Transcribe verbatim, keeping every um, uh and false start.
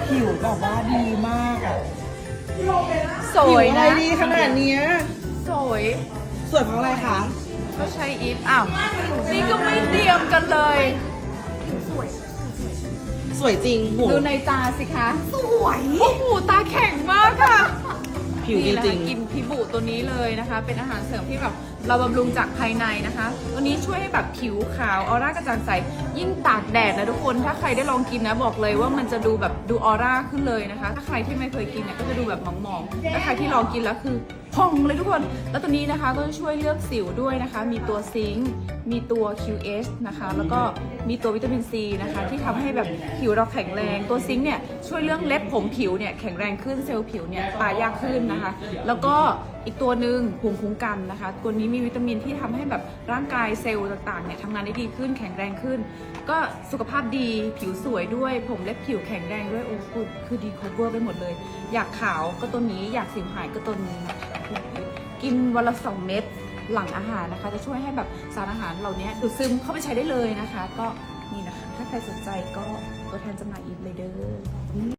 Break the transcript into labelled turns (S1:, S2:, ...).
S1: ผิวแบบว่าดีมากอ่ะ
S2: สวย
S1: ผิอะไร
S2: นะ
S1: ดีขนาดเนี้ย
S2: สวย
S1: สวยเพราะอะไรคะ
S2: ก็ใช้อีฟอ้าวนี่ก็ไม่เตรียมกันเลย
S1: สวยจริงหู
S2: ดูในตาสิคะ สวยโอ้โหตาแข็งมากค่ะ
S1: ผิวดี
S2: นี่นะ
S1: จริ
S2: คะ
S1: ง
S2: กินพิบูตัวนี้เลยนะคะ เป็นอาหารเสริมที่แบบเราบำรุงจากภายในนะคะตัวนี้ช่วยให้แบบผิวขาวออร่ากระจ่างใสยิ่งตากแดดนะทุกคนถ้าใครได้ลองกินนะบอกเลยว่ามันจะดูแบบดูออร่าขึ้นเลยนะคะ ถ้าใครที่ไม่เคยกินเนี่ยก็จะดูแบบหมองๆถ้าใครที่ลองกินแล้วคือพองเลยทุกคนแล้วตัวนี้นะคะก็จะช่วยเลือกสิวด้วยนะคะ มีตัวซิงค์มีตัว คิว เอช นะคะแล้วก็มีตัววิตามินซีนะคะที่ทำให้แบบผิวเราแข็งแรงตัวซิงค์เนี่ยช่วยเรื่องเล็บผมผิวเนี่ยแข็งแรงขึ้นเซลล์ผิวเนี่ยตายยากขึ้นนะคะ แล้วก็อีกตัวหนึ่งภูมิคุ้มกันนะคะ ตัวนี้มีวิตามินที่ทำให้แบบร่างกายเซลล์ต่างๆเนี่ยทำงานได้ดีขึ้นแข็งแรงขึ้น ก็สุขภาพดีผิวสวยด้วยผมเล็บผิวแข็งแรงด้วยโอ้โหคือดีครบเวอร์ไปหมดเลย อยากขาวก็ตัวนี้อยากสิวหายก็ตัวนี้นะคะกินวันละสองเม็ดหลังอาหารนะคะ จะช่วยให้แบบสารอาหารเหล่านี้ดูดซึมเข้าไปใช้ได้เลยนะคะ ก็นี่นะคะถ้าใครสนใจก็ตัวแทนจำหน่ายอีฟเลยเด้อ